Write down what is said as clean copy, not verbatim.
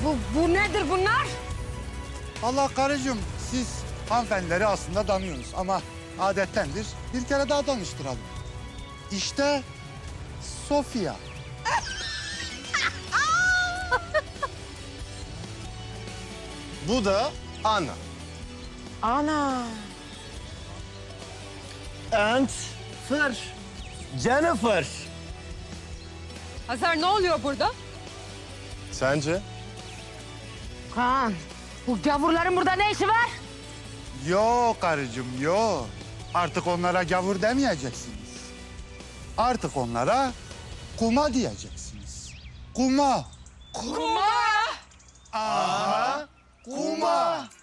Bu nedir bunlar? Allah karıcığım, siz hanımefendileri aslında tanıyorsunuz ama adettendir. Bir kere daha tanıştıralım. İşte Sofia. Bu da Anna. Ana. And Fır. Jennifer. Hazar ne oluyor burada? Sence? Kaan, bu gavurların burada ne işi var? Yok karıcığım, yok. Artık onlara gavur demeyeceksiniz. Artık onlara kuma diyeceksiniz. Kuma. Kuma! Aha, kuma.